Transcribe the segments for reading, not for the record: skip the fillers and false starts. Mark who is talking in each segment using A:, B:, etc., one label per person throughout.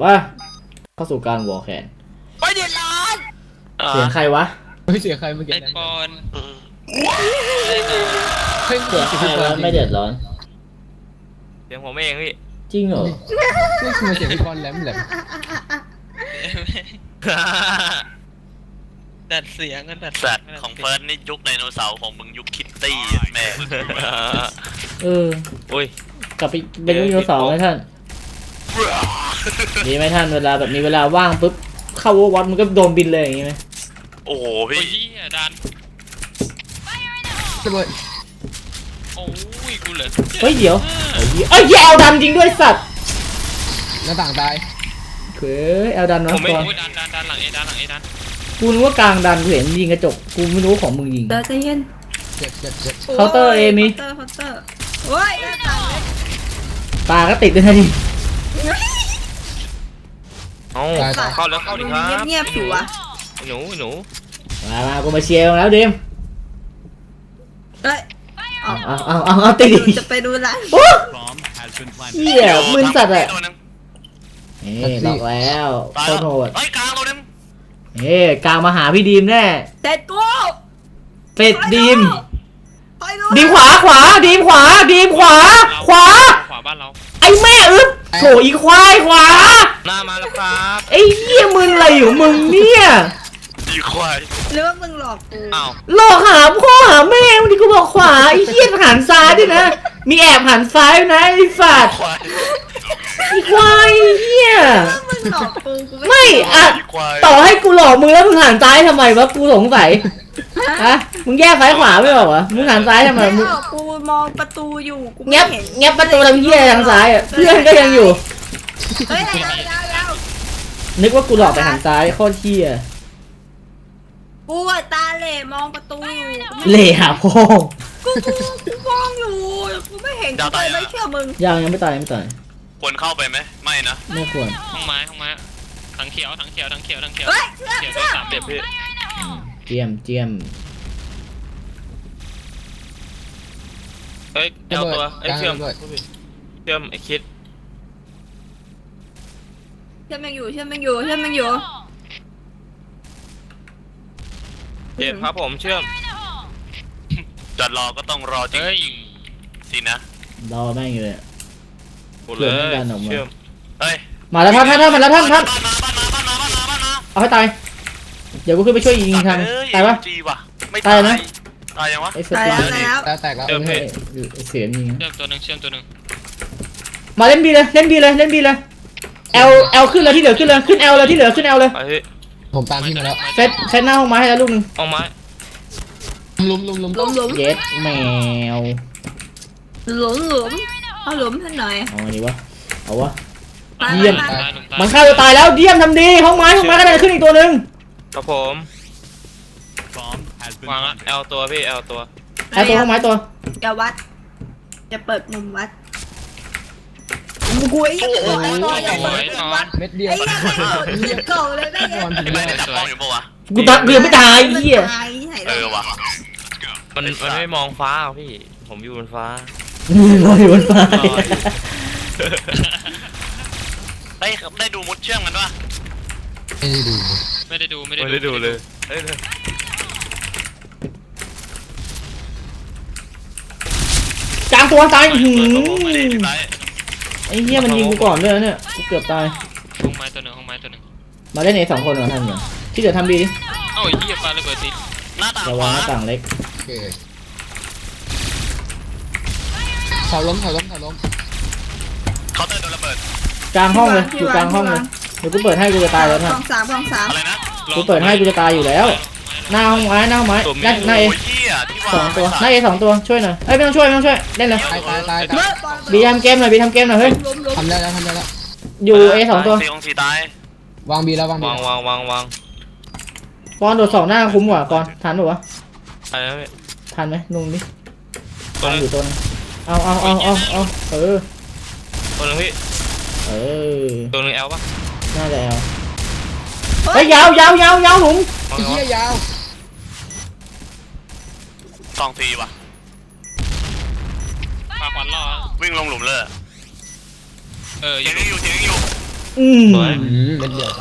A: ว่าเข้าสู่การวอลแคน
B: ไม่เดือดร้อน
A: เสียงใครวะ
C: ไม่เสียใครเมื่อกี้
D: ไอปอน
C: เฮ้ย
A: เสียงใครวะไม่เดือดร้อน
D: เสียงผมเองพี่
A: จริงเหรอ
C: ไม่คือเสียงพี่บอลแหลม
D: ดัดเสียงกันดัด
B: สัตว์ของเฟิร์สนี่ยุคไดโนเสาร์ของมึงยุคคิตตี้แม่
A: เออ
D: อุ้ย
A: กลับไปเป็นลูกโยนสองไหมท่านดีไหมท่านเวลาแบบมีเวลาว่างปุ๊บเข้าวัดมันก็โดนบินเลยอย่างงี้ไหม
B: โอ้โห
D: โอ้
B: พี่
D: ยดัน
C: ระเบิด
D: โอ้ยกูเหลือ
A: เฮ้ยเดี๋ยวเอ้ยแอลดันจริงด้วยสัตว์
C: หน้าต่างตาย
A: เฮ้ยแอลดัน
D: ผ
A: เนาะ
D: มไม่
A: ตัว
D: ดันหลังเอดัน
A: กูนึกว่ากลางดันกูเห็นยิงกระจกกูไม่รู้ของมึงยิง
E: เดี๋ยวใจเย็น
C: เจ็บ
A: เคาน์เตอร์เอมี
E: เคาน์เตอร์โอ้ยหน้าต่างเลย
A: ตาก็ติดด้วยนะดิ
D: เอ้าเข้าแล้วเข้าดิครับ
E: เงียบๆผิวอะ
D: หนู
A: มากูมาเชียร์แล้วดิม
E: เอ้ย
A: เอาติดดิ
E: จะไปดูร้าน
A: โอ้เหี้ยมึนสัตว์อะนี่บอกแล้วโคตรโหด
B: เฮ้ยกลางตัวนึง
A: กลางมาหาพี่ดีมแน่
E: เด็ดกู
A: เป็ดดีม
E: ไปดู
A: ดีมขวาดีมขวาขวา
D: ขวาบ้านเรา
A: ไอ้แม่อึ๊บโถอีควายขวา
D: หน้ามาแล้วครับ
A: ไอ้เหี้ยมึงอะไรอยู่มึงเนี่ย
B: ดีควาย
E: หรือว่ามึงหลอกกู
D: อ้าว
A: หลอกหาพ่อหาแม่วันนี้กูบอกขวาไอ้เหี้ยหันซ้ายด้วยนะมีแอบหันซ้ายนะไอ้สัตว์
B: ควาย
A: ไอ้ควายเหี้ย
E: มึงหลอกกูกู
A: ไม่อะ
B: ดีควาย
A: ต่อให้กูหลอกมึงแล้วมึงหันซ้ายทำไมวะกูสงสัยฮะมึงแยกซ้ายขวาไม่บอกวะมึงหันซ้ายทำไม
E: ไม่
A: มึง
E: หลอกกูมองประตูอยู่กู
A: เงี
E: ไม่
A: ยบ
E: เห็น
A: เงียบประตูทำเหี้ยทางซ้ายอ่ะเพื่อนก็ยังอยู่
E: เฮ้ยยาว
A: นึกว่ากูหลอกไปหันซ้ายโคตรเหี้ย
E: กูอะตาเหล่มองประตูอยู่
A: เล่หาพ่อ
E: กูมองอยู่กูไม่เห็นกูเลยไม่เชื่อมึง
A: ยังไม่ตาย
B: ควรเข้าไปไหมไม่นะ
A: ไม่ควร
D: ห้องไม้ถังเขียว
E: เฮ้ยเชื่อ
D: เขียว
E: เชื่อ
D: สามเด็บพี่
A: เจียม
D: เฮ้ยเอลตัวไอ้เชื่อมไอ้คิด
E: เชื่อมันอยู่
D: เจ็บครับผมเชื่อม
B: จะรอก็ต้องรอจริง
D: เฮ้ย
B: สินะ
A: รอแม่งอยู่เลย
D: กูเลยเชื่อม
B: เฮ้ย
A: มาแล้วท่านมาแล้วท่าน
B: บ้านมา
A: เอาให้ตายเดี๋ยวกูขึ้นไปช่วยยิงทางตายปะ
B: จีว่ะไม่
A: ตายนะ
B: ตายยังวะ
A: ไอ้เสือ
E: ตายแล้ว
C: แล้วแตกแล้ว
A: ไอ้เสือยิง
D: เชื่อมตัวหนึ่ง
A: มาเล่นบีเลยเอลขึ้นเลยที่เหลือขึ้นเลยขึ้นเอลเลยที่เหลือขึ้นเอลเลย
D: ไปพี่
C: ผมตามพี่มาแล้ว
A: เซตหน้าห้องไม้ให้แล้วลูกนึง
D: เอาไม้
C: ลุม
E: หลุม
A: เย็ดแมว
E: เอาหลุมให้หน่อย
A: เอาอันนี้วะเอาวะ
E: ไป
A: เยี่ยม
E: ไป
A: มันฆ่าตัวตายแล้วเยี่ยมทำดีห้องไม้ก็ได้ขึ้นอีกตัวนึง
D: ครับผมวางละเอลตัวพี่เอลตัว
A: ไอ้ตัวห้องไม้ตัว
E: อย่าวัดจะเปิดมุมวัดกูไอ้ยังเปิดอย่าเปิดวัด
C: เม็ดเดียว
E: ไอ้ยังไม่เปิดเหี้ยเก่าเลยได้ไง
C: บอลถึง
B: ไม่
C: แล้ว
B: ได้จับกล้องอยู่ปะวะ
A: กูตัดเกือบไม่ตายเหี้ย
E: ตายที่ไหน
B: เออวะ
D: มันไม่มองฟ้าพี่ ผมอยู่บนฟ้า
A: ลอยบนฟ้า
B: เฮ้ยได้ดูมุดเชื่อมกันปะ
C: ไม่ได้ดู
D: ไม่ได้ดูเลยเฮ้ย
A: กลางตัวตายหืม
B: ไม่ได้ที่ไหน
A: ไอ้เหี้ยมันยิงกูก่อนด้วยเนี่ยกูเกือบตาย
D: ห้องไม้ตัวหนึ่ง
A: มาเล่น2 คนเหรอท่านเนี่ยที่เหลือทำดีดิ
D: เอ้าไอ้เหี้ยปลาระเบิดติด
B: หน้าต่าง
A: ระ
B: ข
A: วัง
B: วา
A: หน้าต่างเล็ก
C: โอเคเสาล้ม
B: เคาน์เตอร์โดนระเบิด
A: กลางห้องเลยอยู่กลางห้องเลยเดี๋ยวกูเปิดให้กูจะตายแล้ว
E: ก
A: ท่าน
E: องสาม
B: อะไรนะ
A: กูเปิดให้กูจะตายอยู่แล้วหน้าห้องไม้หน้าเอ
B: โอ้ยเหี้ยที่วาง
A: 2 ตัวหน้าเอ2 ตัวช่วยหน่อยไม่ต้องช่วยเล่นเลย
C: ตาย
A: บีทำเกมหน่อยเฮ้ย
C: ทำได้แล้ว
A: อยู่เอ2 ตัว
B: สี่ตายว
C: างบีแล้ววางบี
D: วาง
A: ปอนโดด2 หน้าคุ้มกว่าปอนทันหรือวะ
D: อะไรนะพี่
A: ทันไหมลุงดิ
D: ตัว
A: ทัน
D: นึง
A: อยู่ตัวนึงเอาเออ
D: ตัวนึงพี่
A: เออ
D: ตัวนึงเอลปะ
A: น่าจะเอาเฮ้ยยาวหนุ่ม
C: ไอ้เหี้ยยาว
B: สองทีว่ะ
D: ปลาควันล่อ
B: วิ่งลงหลุมเลย
D: เออ
B: เถียงยังอยู่
D: สวย
C: เป็นเดือด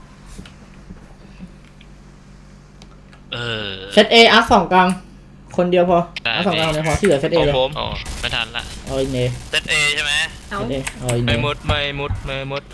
B: เออ
A: เซตเออาร์สองกลางคนเดียวพอ
F: ได้
A: อาร์สองกลางคนเดียวพอที่เหลือเซตเอ
D: ของ
A: เลย
D: ผม
F: อ๋อไม่ทันละ
A: เอาอินเน
B: เซตเอใช่ไหม
E: เอา
A: เซตเอเอาอินเน
D: ไม่มุดไม่มุดไม่มุด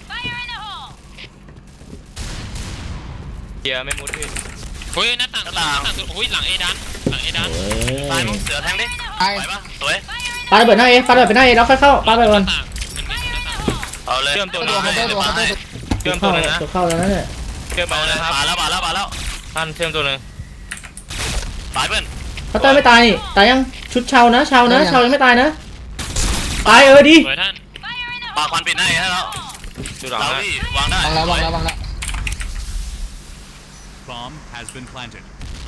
D: เกียร์ไม่มุดพี่
F: เฮ้ยหน้าต่างตัวโอ้ยหลังเอดันหลังเอดัน
A: โอ้
B: ตาย
A: ย
B: มึงเสือแทงดิ
C: ไอ้
B: ไหวปะสวย
A: ปาระเบิดหน้าเอปาระเบิดไปหน้าเอแล้วค่อยเข้าปาระเบิดก่อน
F: หน้าต่างมันไม่หน้าต่าง
B: เอาเลย
D: เชื่อมตัว
C: ตัว
D: นึง
C: เคาน์เตอร์ตัวเคาน์เตอร์
D: เชื่อมตัวนึงนะ
A: ตัวเข้าแล้วนั่นแหละ
D: เชื่อมไป
B: เอาเลย
D: นะครับ
B: มาแล้วมาแล้วมาแล้ว
D: ท่านเชื่อมตัวนึง
B: ตายเพื่อน
A: เขาเตอร์ไม่ตายนี่ตายยังชุดเชานะเชายังไม่ตายนะตายดี
F: สวยท่าน
B: ปาควันปิดหน้าเอให้แล้ว
D: อยู่หลัง
B: เรา
D: นะ
B: พี่วางได้
C: วางแล้ว
G: Bomb has been planted.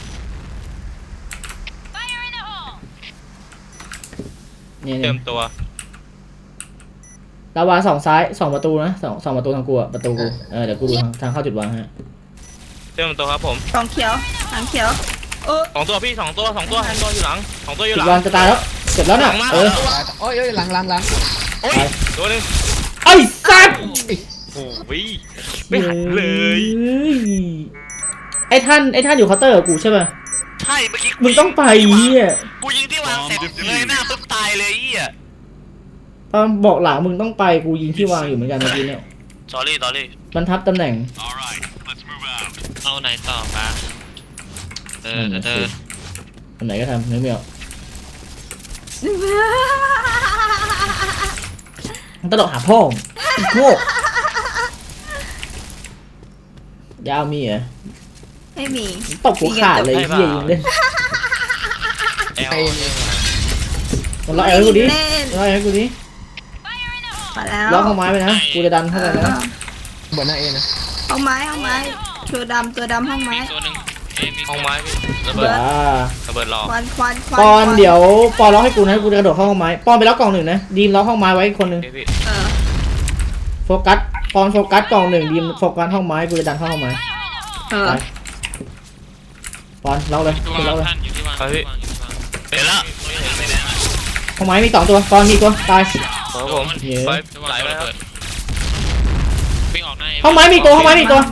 A: นี่
D: เชื่อมตัว
A: ลาวาสองซ้ายสองประตูนะสองประตูทางกูอะประตูกูเดี๋ยวกูดูทางเข้าจุดวางฮะ
D: เชื่อมตัวครับผม
E: กองเขียวหางเขียว
D: สองตัวพี่สองตัวอยู่หลังสองตัวอยู่
A: จุ
D: ห
A: ด
D: ลั
A: วาง
D: ง
A: จะตายแล้วเสร็จแล้วน่ะ
C: โอ้ยหลัง
D: โอ้ยตัวนึง
A: ไอ้สัตว์
D: โอ้ยไม่หันเลย
A: ไอ้ท่านอยู่เคาน์เตอร์กับกูใช่ป่ะ
B: ใช่เมื่อกี้
A: มึงต้องไปเฮีย
B: กูยิงที่วางเสร็จเลยหน้าปุ๊บตายเลยเหี้ย
A: ตอนบอกหลังมึงต้องไปกูยิงที่วางอยู่เหมือนกันเมื่อกี้เนี่ย
B: sorry
A: บรรทับตำแหน่ง
G: All right, let's move out.
F: เอาไหนต่อปะเออ
A: ทำไหนก็ทำนึกไม่ออกมันตลกหาพ่อมึงโง่ยาวมีเหรอ
E: ไม่มี
A: ตบหัวขาดเลยเฮียยิงเล่น
D: แอล
A: มันล็อกแอลให้กูดิล็อกแอลให้กูดิ
E: มาแล้ว
A: ล็อกห้องไม้ไปนะกูจะดันเข้าไปนะ
C: บนหน้าเอนะ
E: ห้องไม้ตัวดำห้องไม้
F: มีตัวหนึ่งมี
D: ห้องไม้พี่ระเบิด
A: ว้า
D: ระเบิดรอ
E: ควัน
A: ปอนเดี๋ยวปอนล็อกให้กูนะกูจะกระโดดเข้าห้องไม้ปอนไปล็อกกล่องหนึ่งนะดีมล็อกห้องไม้ไว้อีกคนนึง
D: พี่
A: โฟกัสปอนโฟกัสกล่องหนึ่งดีมโฟกัสห้องไม้กูจะดันเข้าห้องไม้ไปปอนล็อกเลย
F: ตัว
A: กูล็อกเลย
F: ท่านอยู่ที่วางอยู่ที่วาง
B: เห็นแล้วไม่แดงอะ
A: ห้องไม้มีสองตัวปอนมีตัวตาย
D: ครับผม
A: เหี้ย
D: ไป
F: จะวาง
D: ไหลไป
F: ระ
D: แล้ว
F: เบิดวิ่งออกหน้า
A: ห้องไม้มีตัวห้องไม้มีตัว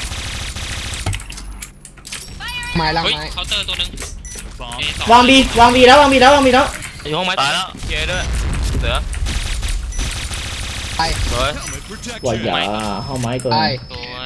C: ไม้ล้าง
F: เฮ้ย
C: ไม้
F: เคาน์เตอร์ตัวหนึ่ง
G: Bomb
A: วางบีแล้ววางบีแล้ว
D: อยู่ห้องไม้
B: ตายแล้ว
D: เกียร์ด้วยเสือ
C: ไป
D: สวย
G: helmet
A: ว่าอย่า
G: protection.
A: ห้องไม้ตัว
C: ไป
F: สวย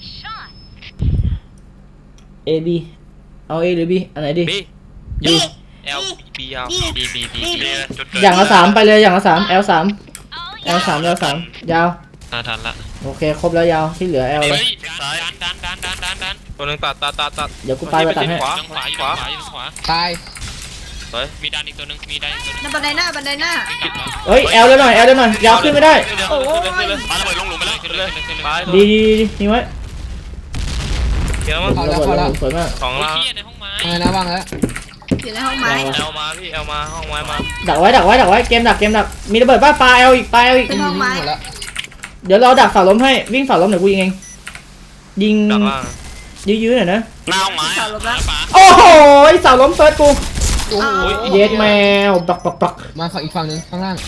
A: เอบีเอาเอหรือบีอันไหนดี
D: บี
A: บี
D: L B ยาว
F: บี
B: จุดเกิด
A: อย่างละสามไปเลยอย่างละสาม L3 L3 ยาว
F: ทันละ
A: โอเคครบแล้วยาวที่เหลือ L เล
F: เฮ้
A: ย
F: ยดัน
D: ตัวนึงตัด
A: เดี๋ยวกูไปตัดให้
D: ขวา
F: ทางขวาอยู่ทางขวาอยู่ทางขวา
C: ตาย
D: สวย
F: มีดันอีกตัวหนึ่งมีดันอีกตัวหนึ่ง
E: บันไดหน้า
F: วิ่งกลับแล้ว
A: เฮ้ย L เลยหน่อยยาวขึ้นไม่ได้
D: ขึ้นเลย
B: มาระเบิดลงหลุมไปแล้ว
F: ขึ้นเลยขึ้นเลย
D: ไป
A: ดีนี่ไว้
D: เกียร์มั้ง
A: ระเบิดลงสวยมาก
D: สอง
F: โอ้ย
D: ล่าง
F: เฮียในห้องไม้
C: ไงนะวางแล้ว
E: อยู่ในห้องไม้
D: L มาพี่ L มาห้องไม้มา
A: ดักไว้เกมดักมีระเบิดป้าปลา L อีก
E: ขึ้นห้องไม้
C: หมดแล้ว
A: เดี๋ยวเราดักเสาล้มให้วิ่งเสาล้มเดี๋ยวกูยิงเองยิง
D: ดักล่าง
A: ยื้อๆหน่อยนะ
B: หน้าห้องไม้
E: เสา
B: อะ
E: ลบแล้ว
F: ป๋า
A: โอ้โหเสาล้มเฟิร์สกู
C: โอ้โห
A: เย็ดแมวปัก
C: มาฝั่งอีกฝั่งนึงข้างล่าง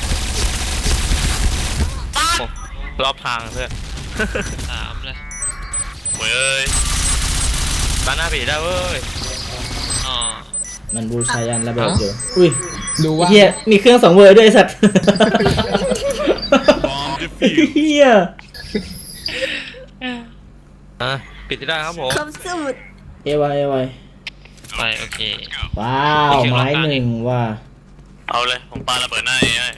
D: รอบทางเพื่อน
F: สามเลย
B: เว้ย
D: บ้านหน้าผีได้เว้ย
F: อ๋อ
A: มันบูชายันระเบิดอยู่อุ้ย
C: ดูว่า
A: เฮียมีเครื่องสองเวอร์ด้วยไอ้สัตว์
G: Bomb defused.
A: เฮีย
D: ปิดได้ครับผม
E: ครบสูตร
A: เอวาย
F: ไปโอเค
A: ว้าวไม้หนึ่งว่า
B: เอาเลยผมปาระเบิดหน้าเอให้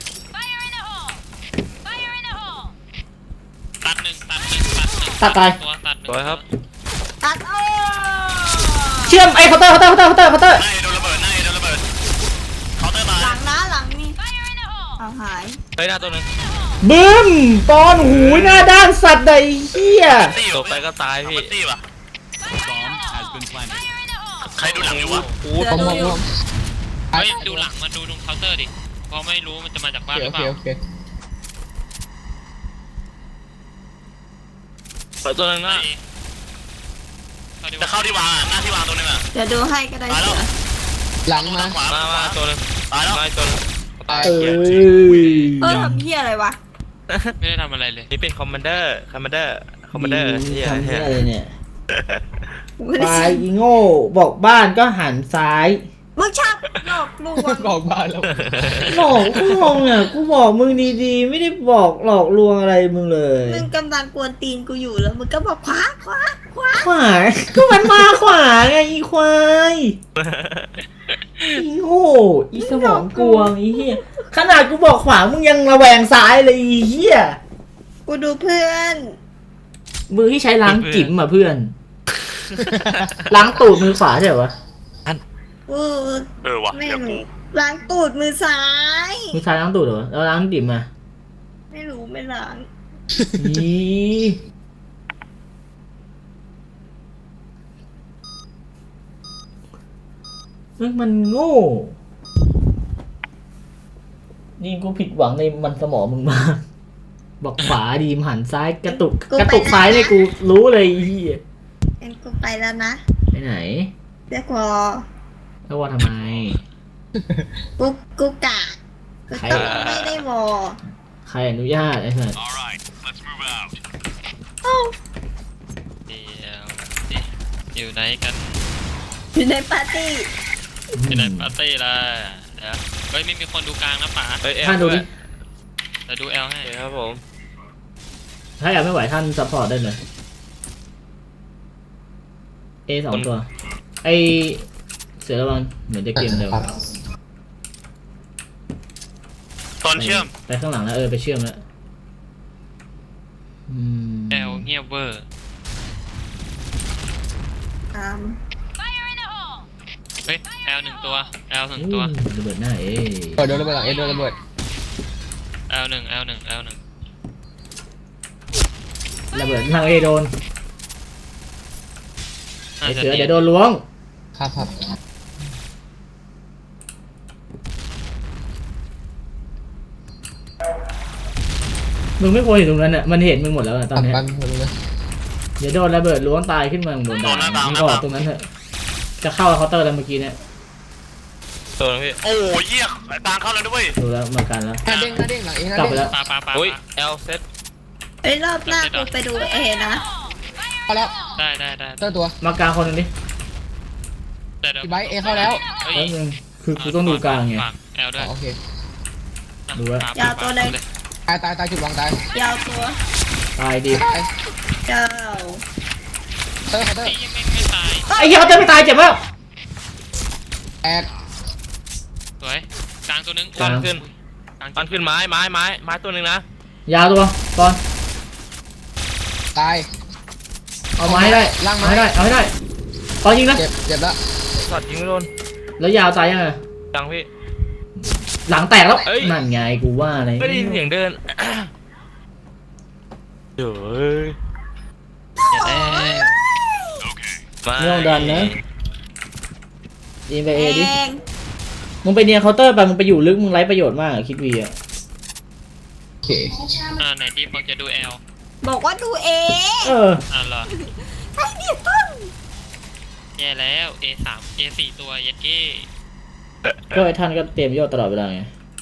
F: ตัดหนึ่ง
A: ตัดตาย
F: ตัวตัดหนึ่ง
D: สวยครับ
E: ตัดโอ้
A: เชื่อมไอ้เคาน์เตอร์
B: หน้าเอโดนระเบิดหน้าเอโดนระเบิดเคาน์เตอร์มา
E: หลังนี่เอาหาย
D: เฮ้ยหน้าตัวนึง
A: บึ้มปอนหูยหน้าด้านสัตว์ใดเฮีย
B: ตี้
D: ตกไปก็ตายพี่
B: ตี้ป่ะ
G: Bomb has been planted.
B: ใครดูหลังอยู่วะ
C: ผมมองผม
F: เฮ้ยดูหลังมันดูตรงเคาน์เตอร์ดิเพราะไม่รู้มันจะมาจากบ้านห
C: โอ
F: รือเป
C: เค
F: ล่า
C: โอเค
D: ตัวนึงหน้า
B: จะเข้าที่วางอ่ะหน้าที่วางตัวนึงอ่ะ
E: เดี๋ยวดูให้ก็ได้
B: ตาย
E: เสื
B: แล้ว
E: อ
C: หลังมา
B: ขวา
D: มาตัวนึง
B: ตายแล้ว
D: มาตัวนึงตาย
A: เอ้
D: เกียร์
A: ย
E: ทำเหี้ยอะไรวะ
F: ไม่ได้ทำอะไรเลย
D: นี่เป็นคอมมานเดอร์เฮีย
A: ทำ
D: เฮี
A: เหี้
D: ย
A: ยอะไรเนี่ย
E: ไม่ได้
A: ตายอีโง่บอกบ้านก็หันซ้าย
E: มึงชอบหลอกลวง
C: บอกบ้านแล้ว
A: หลอกลวงอ่ะกูบอกมึงดีๆ ไม่ได้บอกหลอกลวงอะไรมึงเลย
E: มึงกำลังกวนตีนกูอยู่แล้วมึงก็บอกขวา
A: ขวาก็มันมาขวาไงอีควายอีโง่อีสมองกวงอีเหี้ยขนาดกูบอกขวามึงยังระแวงซ้ายเลยอีเหี้ย
E: กูดูเพื่อน
A: มือที่ใช้ล้างจิ๋มอ่ะเพื่อน ล้างตูดมือขวาใช่เหรอวะ
E: กู
B: ว่ะ
E: ไม่
B: เดี๋ยว
E: รู้
B: กู
E: ล้างตูดมือซ้าย
A: มือซ้ายล้างตูดเหรอแล้วล้างจิ๋มอ่ะ
E: ไม่รู้ไม่ล้าง
A: อีมันโง่ นี่กูผิดหวังในมันสมองมึงมากบอกขวาดีมหันซ้ายกระตุกซ้ายเนี่ยกูรู้เลยอีเหี้ย
E: งั้นกูไปแล้วนะ
A: ไปไหน
E: เรียกวอ
A: แล้วว่าทำไม
E: กูกะกูต้องไม่ได้วอ
A: ใครอนุญาตไอ้สัส
G: All right, let's move out.
F: เดี๋ยวดิอยู่ไหนกัน
E: อยู่ในปาร์ตี้
F: อยู่ไหนปาร์ตี้ล่ะเดี๋ยวเฮ้ยไม่มีคนดูกลางนะป๋า
D: เฮ้ยเอล
A: ท่านดูดิ
F: เดี๋ยวดูแอลให้
D: ครับผม
A: ถ้าอยากไม่ไหวท่านซัพพอร์ตได้เลย A สองตัว ไอเสือระวังเหมือนจะเกมเร็ว
B: ตอนเชื่อม
A: ไปข้างหลังแล้วไปเชื่อมแล้ว
F: แอลเงียบเวอร์
E: ตาม
F: เฮ้ยแอลหนึ่งตัวแอลหนึ่งตัว
A: ระเบิดหน้าเอ
C: โดนระเบิดหลังโดนระเบิด
F: แอลหนึ่งแอลหนึ่งแอลหนึ่ง
A: ระเบิดทางเอโดน ไอ
F: น่าจะ
A: เสือเดี๋ยวโดนล้วง
C: ครับ
A: มึงไม่ควรอยู่ตรงนั้นอ่ะมันเห็นมึงหมดแล้วอะตอนเนี้ย
C: บ้านคนนึง
A: เดี๋ยวโดนระเบิดล้วงตายขึ้นมาบนดาวมึงออกตรงนั้นเถอะจะเข้าเคาน์เตอร์แล้วเมื่อกี้เนี่ย
D: ตัวนึงพี่
B: โอ้ยเหี้ยตางเข้าแล้วด้วย
A: ดูแล้วมากันแล้ว
C: หน้าเด้งหน้าเด้งหลังเองหน้าก
A: ลับ
C: เด้ง
A: ไปแล้ว
F: ปา
D: อุ้ยเอลเซต
E: เอ้ยรอบหน้ากูไปดูเอนะ
C: เข้าแล้ว
F: ได้
C: เจ้าตัว
A: มากลางคนหนึงดิ
F: แต่เดี๋ยว
C: พี่ไบค์เอเข้าแล้ว
F: เฮ้ย
A: แล้วนึงคือกูต้องดูกลางไง
F: ฝแอลด้วย
C: โอเค
A: ดูไว้
F: ปา
C: ตายจุดวางตาย
E: ยาวตัว
A: ตายดี
C: ตาย
E: เจ้า
C: เตอร์
F: ไอ้ยังไม่ตาย
A: ไอ้เหี้ยเขาจะไม่ตายเจ็บมาก
C: แอก
F: สวยกลางตัวนึง
D: ปั้นขึ้น
F: กลาง
D: ปั้นขึ้นไม้ตัวหนึ่งนะ
A: ยาวตัวตอน
C: ตาย
A: เอาไม้ให้ได้
C: ล่างไม้
A: เอาให้ได้ตอนยิงนะ
C: เจ็บแล้ว
D: สอดยิงไม่โดน
A: แล้วยาวตายยังไง
D: จังพี่
A: หลังแตกแล้ว
D: เอ้ย
A: นั่นไงกูว่าอะไร
D: ไม่ได้ยินเสียงเดินเดี๋ยวเอ้ย
F: เดี๋ยวแล้ว
A: ไม่ต้องดันนะยิงไปเอดิ
E: แอง
A: มึงไปเนียนเคาน์เตอร์ไปมึงไปอยู่ลึกมึงไร้ประโยชน์มากอะคิดวีอะ
C: โอเค
F: ไหนดีบอกจะดูแอล
E: บอกว่าดูเอ
A: เออ
F: เหรอ
E: ไอ้นี่พึ่ง
F: แย่แล้ว A3 A4 ตัวเย็ดเก้
A: ก็ไอ้ท่านก็เตรียมโยกตลอดเวลาไง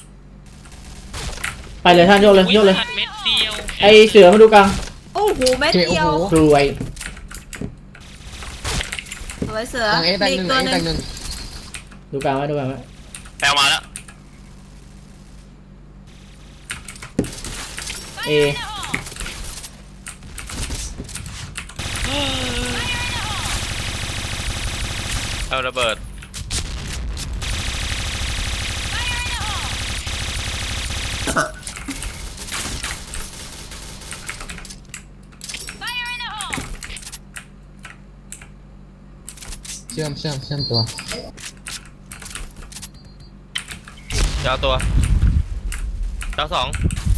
A: ไปเลยท่านโยกเลยโยกเลย
F: อุ๊เม็ดเดียว
A: ไอเสือมาดูกลาง
E: โอ้โหแม่
C: โอเค
E: เดียว
C: โอ้โห
A: กรวย
E: สวยเสือ
C: หลังเอแตก
E: มี
C: หนึ่ง
E: ตัว
C: เอ
E: ห
C: แต
E: นึ่
C: ก
E: ง
C: หนึ่ง
A: ดูกลางไว้ดูกลางไว้
B: แปลมาแล้ว
A: เอ
D: เอาระเบิด
C: เชื่อมตัว
D: ดาวตัวดาวสอง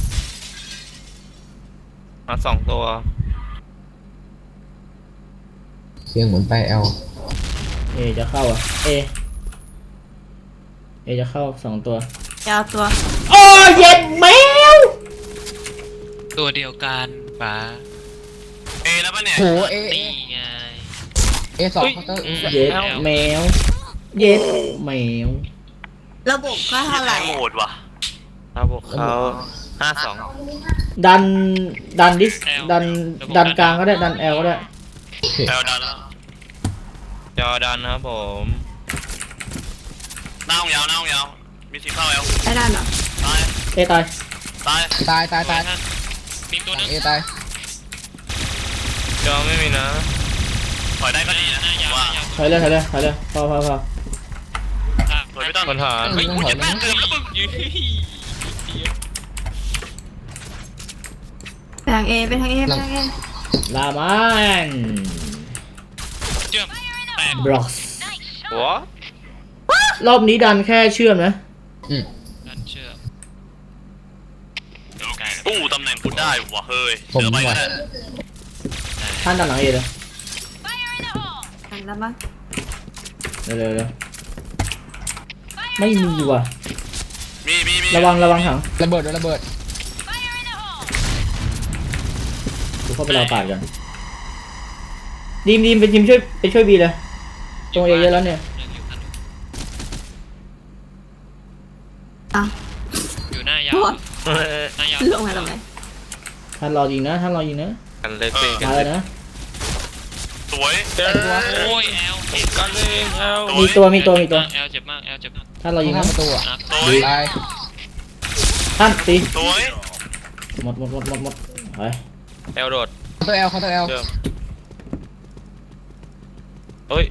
D: มาสองตัว
C: เสียงเหมือนไปเอล
A: เอจะเข้าอ่ะเอจะเข้า2 ตัวย
E: าวตัว
A: โอ้เย็ดแมว
F: ตัวเดียวกันป๋า
B: เอแล้วปะเนี่ย
C: โหเอ
F: นี่ไง
C: เอสองเคาน์เตอร์
A: เย็ดแมวเย็ดแมว
E: ระบบก็เท่าไหร่
B: โหดว่ะ
D: ถ้าพวกเขา52
A: ดันดิสดันกลางก็ได้ดันแอลก็ได้
C: โอเค
B: แอลดันแล้ว
D: จอดันนะครับผม
B: หน้าห้องยาวหน้าห้องยาวมีสิเข้าแอล
E: ได้ด้านเหรอ
B: ตาย
A: เอตาย
B: ตาย
C: ตายตายตาย
F: มีตัว
C: ห
F: นึ
C: ลั
F: ง
C: งเอตาย
D: จอไม่มีนะ
B: ถอยได้ก็ดีนะ
F: หน้ายาว
B: ว่า
A: ถอยเลยพอ
B: ถอยไม่ต้อง
D: ปัญหา
C: ไม่ต้องถอยนะ
F: เกือบแล้วมึงอยู่
E: ไปทางเอไปทางเอไปทางเอ
A: ลามัน
F: เชื่อมแตก
A: บล็อก
D: หัว
A: รอบนี้ดันแค่เชื่อมนะ
C: อืม
F: นั่นเชื่อม
B: อู้ตำแหน่งคุณได้ว่ะเฮ้ย
C: ผม
B: เสือไป
C: ว่ะ
B: ก็ได้
A: ท่านดันหลังเอเลย
E: หันแล้วมั้ง
A: เร็วไม่มีว่ะ
B: มี
A: ระวังถัง
C: ระเบิดโดนระเบิด
A: กูเข้าไปรอปาดก่อนดีมไปช่วยบีเลยตรงเอเยอะแล้วเนี่ย
E: อ่ะ
F: อยู่หน้ายาว
E: โอ๊ย
F: หน้ายาว
E: ลงมาทำไม
A: ท่านรอยิงนะ
D: กันเล็กสิกั
A: มาน เล
D: เล็
A: ย
D: ก
A: นะ
B: สวย
F: โอ้ยแอล
D: กันเล็กเอา
A: มีตัว
F: แอลเจ็บมากแอลเจ็บมาก
A: ท่านรอยิง
C: ข้า
A: นะ
C: งประตูอ่ะ
F: นะ
B: สวย
C: ตาย
A: ท่านตี
B: สวย
A: หมดไป
D: แอลโดด
C: เคาน์เตอร์แอลเคาน์เตอร์แอล
D: เชื่อมเฮ้ย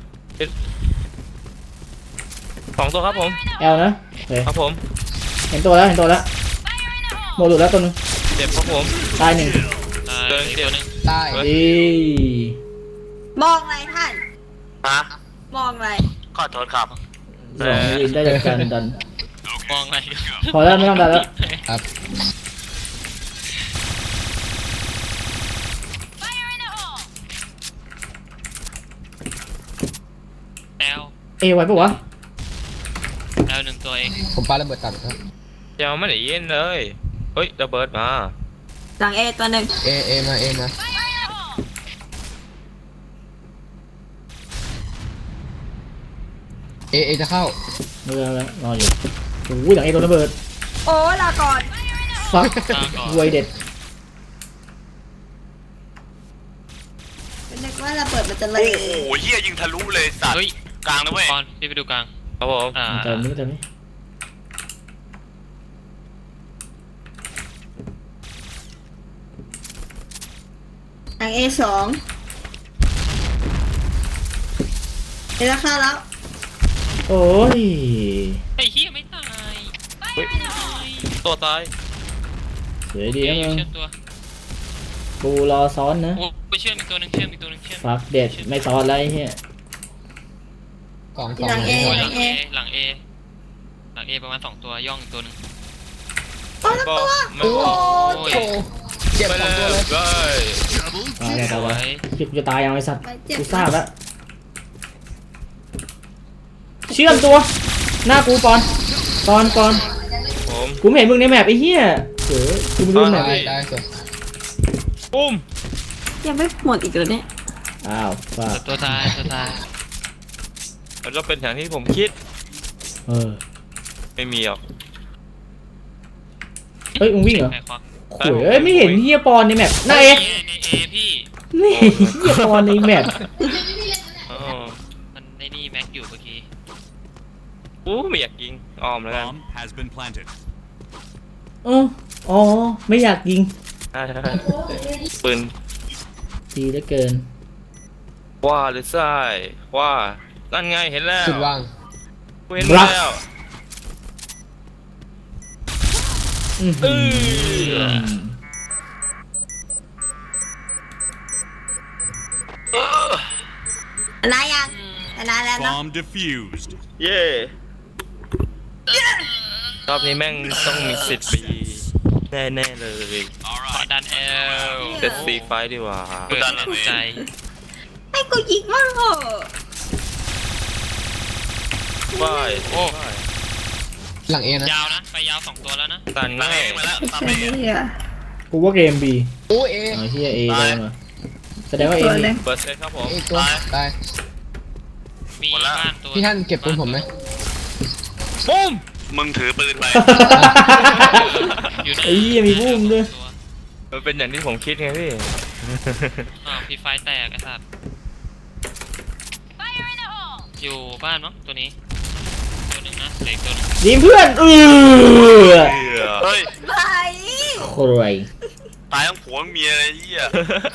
D: 2 ตัวครับผม
A: แอลนะโอเค
D: ครับผม
A: เห็นตัวแล้วโมหลุดแล้วตัวนึง
D: เจ็บครับผม
A: ตายหนึ่ง
F: ตายอีกตัวนึง
C: ตาย
A: ดี
E: มองอะไรท่าน
B: ฮะ
E: มองอะไร
B: ขอโทษครับ
A: สองยิงได้จากการดัน
F: มองอะไรกัน
A: พอแล้วไม่ต้องดันแล้ว
C: ครับ
F: แอล
A: เอไว้ปะวะ
F: แอลหนึ่งตัวเอง
C: ผมปาระเบิดตัดครับ
D: ยังไม่ได้ยินเลยเฮ้ยระเบิดมา
E: หลังเอตัวหนึ่ง
C: เอมาเอจะเข้า
A: ไม่เป็นไรแล้วรออยู่โอ้ยหลังเอตัวระเบิด
E: โอ้ลาก่อน
A: ฟักรวยเด็ด
E: เป็นนึกว่าระเบิดมันจะเล
B: โอ้
E: ย
B: โหเฮียยิงทะลุเลยสัตว์
F: เฮ้ย
B: กลางนะเว้ย
F: ก่อนพี่ไปดูกลาง
D: ครับผม
A: เติมนี้
E: หลังเอ2เอแล้วเข้าแล้ว
A: โอ้ย
F: ไอ้เหี้ยไม่ตาย
D: เฮ้ยตัวตาย
A: สวยดีนะมึง
F: เชื่อมตัว
A: กูรอซ้อนนะ
F: โอ้ไปเชื่อมอีกตัวนึงเชื่อมอีกตัวนึงเชื่อม
A: ฟักเด็ดไม่ซ้อนแล้วไอ้เหี้ย
C: สอง
E: หลังเอ
F: โอ้ย
E: ห
F: ห
E: ลั
F: ลั
E: ง
F: ง
E: เอ
F: เอหลังเอหลังเอประมาณ2ตัวย่องอีกตัวนึง
E: โอ้แล้ว
D: บอก
E: ตัว
D: ไม่
E: โอ้
D: บอก
E: โห
C: เจ็บ
D: ไป
C: ส
D: เล
C: องตัวเลย
D: ย
A: ตายแล้ว
F: สวย
A: คิดกูจะตายยังไอ้สัตว์
E: ไปเจ็บ
A: กูทราบแล้วเชื่อมตัว หน้ากูปอน
D: ผม
A: กูไม่เห็นมึงในแมปไอ้เหี้ยเสือกูไม่รู้แมป
C: ตายสวย
D: ปุ้ม
E: ยังไม่หมดอีกเหรอเนี่ย
A: อ้าวฟัก
F: ตัวตาย
D: มันก็เป็นอย่างที่ผมคิด
A: เออ
D: ไม่มีหรอก
A: เฮ้ยมึงวิ่งเหรอ
F: ใครควัก
A: โอ้ยเอ้ยไม่เห็นเหี้ยปอนในแมปหน้าเอ
F: ในเอพี่
A: ไม่เห็นเหี้ยปอนในแมป
D: อ๋อ
F: มันในนี่แม็กอยู่เมื่อกี้
D: อู้ไม่อยากยิงอ้อมแล้วกัน
G: Bomb has been planted.
A: อ๋อไม่อยากยิง
D: ใช่ปืน
A: ดีเหลือเกิน
D: ว่าหรือไส้ว่านั่นไงเห็นแล้ว
C: สุดวาง
D: กูเห็นแล้ว
A: อื้อหือ
E: ชนะยังชนะแล้วเนาะ
G: Bomb defused.
D: เย่รอบนี้แม่งต้องมี10 ปีแน่ๆเลย
F: ขอดันแอล
D: เซตซีไฟดีกว่า
F: เปิดใจ
E: ให้กูยิงมั่งเหรอ
D: ว้าย
F: โอ้
C: หลังเอนะ
F: ยาวนะไปยาว2ตัวแล้วนะ
D: ตัน
B: ตาม
D: ง่า
B: เอย งมาแล้วตาม
E: ไอ้
B: เอง
E: เหี้ย
A: กูว่าเกมบี
C: โอ้เอ
A: อ๋อเฮียเอได้มาแสดงว่าเอ
E: ตัว
A: มี
E: เลย
D: เปิดเซตครับผม
C: เอตัวตาย
F: มีบ้านตัว
C: พี่ท่านเก็บปืนผมไหม
D: ปุ้ม
B: มึงถือปืนไป
F: อยู่ใน
A: ไอ้เหี้ยมีบุ้มด้วย
F: ตัว
D: มันเป็นอย่างที่ผมคิดไงพี่
F: อ้าวพี่ไฟแตกไอ้สัตว์อยู่บ้านมั้งตัวนี้ตัวหนึ่งนะเด็กตัวหนึง
A: ดีมเพื่อน
B: เฮ้ย
E: ไป
A: โคตรไร
B: ตายทั้งผัวทั้งเมียเลยไอ้เหี้ย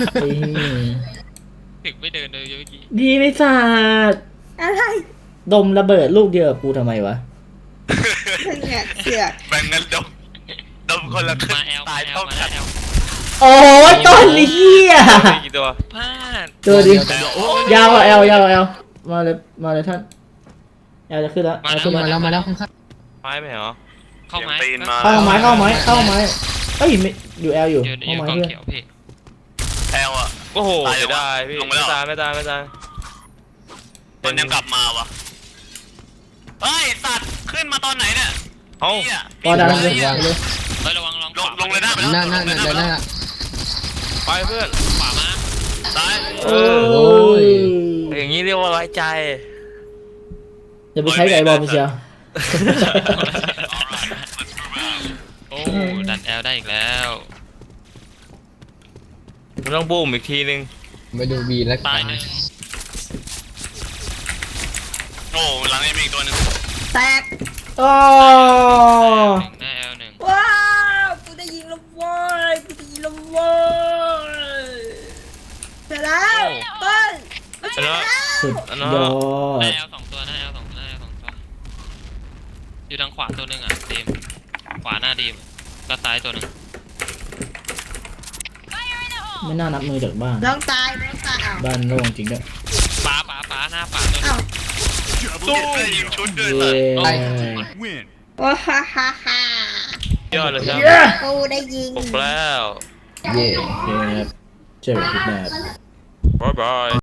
F: ถึงไม่เดินเลยเมื่อกี้
A: ดีไม่สาด
E: อะไร
A: ดมระเบิดลูกเดียวกับกูทำไมวะ
E: เนี่ยเสือก
B: แบ่งกันดมคนละครึ่ง
F: มาแอล
B: ตาย
F: มาแอล
B: เท่า
F: มา
B: กัน
F: แอล
A: โอ้ยต้นเหี้ย
D: กี่ตัว
F: พลาด
A: ตัวดิ
C: เดี๋ยว
A: ยาวกว่าเอลยาวกว่าเอลมาเลยท่านเอลจะขึ้นแล้วเอลขึ้น
C: มา
A: มา
C: แล้วมาแล้วข้าง
D: ไม้ไหมเหรอ
F: เข้าไม้
B: เสียงตีนมา
A: เข้าไม้เข้าไม้เข้าไม้เอ้ยไม่อยู่เอลอยู่
F: อยู่
A: เข้า
F: อยู่
A: ไม้
F: กอง
A: เพื่อน
F: เขียวพี่
B: แอลอะ
D: โอ้โห
B: ตาย
D: เสีย
B: แล้ว
D: ดายพี่
B: ลงไปแล้ว
D: ไม่ตาย
B: มันยังกลับมาวะเฮ้ยสัตว์ขึ้นมาตอนไหนเนี่ย
D: เอ้า
B: เหี้ย
A: พอดันเลย
C: วางเลย
F: เฮ้ยระวังลอง
B: ล
F: ข
B: ง
F: วา
B: ลงเลยนะ
C: หน้าหน้าหน้าหน้า
D: ไปเพื่อน
F: ขวามา
B: ซ้าย
A: โอ้ย
D: อย่างนี้เรียกว่าไว้ใจ
A: อย่าไปใช้กับไอ้บอลไปเชียว
F: โอ้ดันแอลได้อีกแล้ว
D: มันต้องบูมอีกทีนึง
C: ไปดูบีแล้ว
F: ตายหนึ่ง
B: โอ้หลังเอ็มอีกตัวหนึง
E: แตก
A: อ๋อ
F: หน้าแอลหนึ่ง
E: ว้าวกูได้ยิงแล้วเว้ยกูได้ยิงแล้วเว้ยเสร็จแล้วเปิ้ล
D: ชนะ
A: สุดยอ
F: หน้า
A: ด
F: แอลสองตัวหน้าแอลสองตัวหน้าแอลสองตัวอยู่ทางขวาตัวหนึ่งอ่ะดีมขวาหน้าดีมแล้วซ้ายตัวหนึ่ง
A: ไม่น่านับมือจากบ้าน
E: น้องตายอ้าว
A: บ้านโล่งจริงด้วย
F: ป๋าหน้าป๋าตัวหนึ
E: อ้าง ว
B: ตู้ยิงชุดด้วย
A: เย้
B: สัตว์
G: Win.
E: ว้าฮ่าฮ่าฮ่าย
D: อดเลยครับ
E: กูได้ยิง
D: ปลุกแล้ว
C: เย่
A: เย้ครับเจอกันคลิปหน้า
D: บ๊ายบาย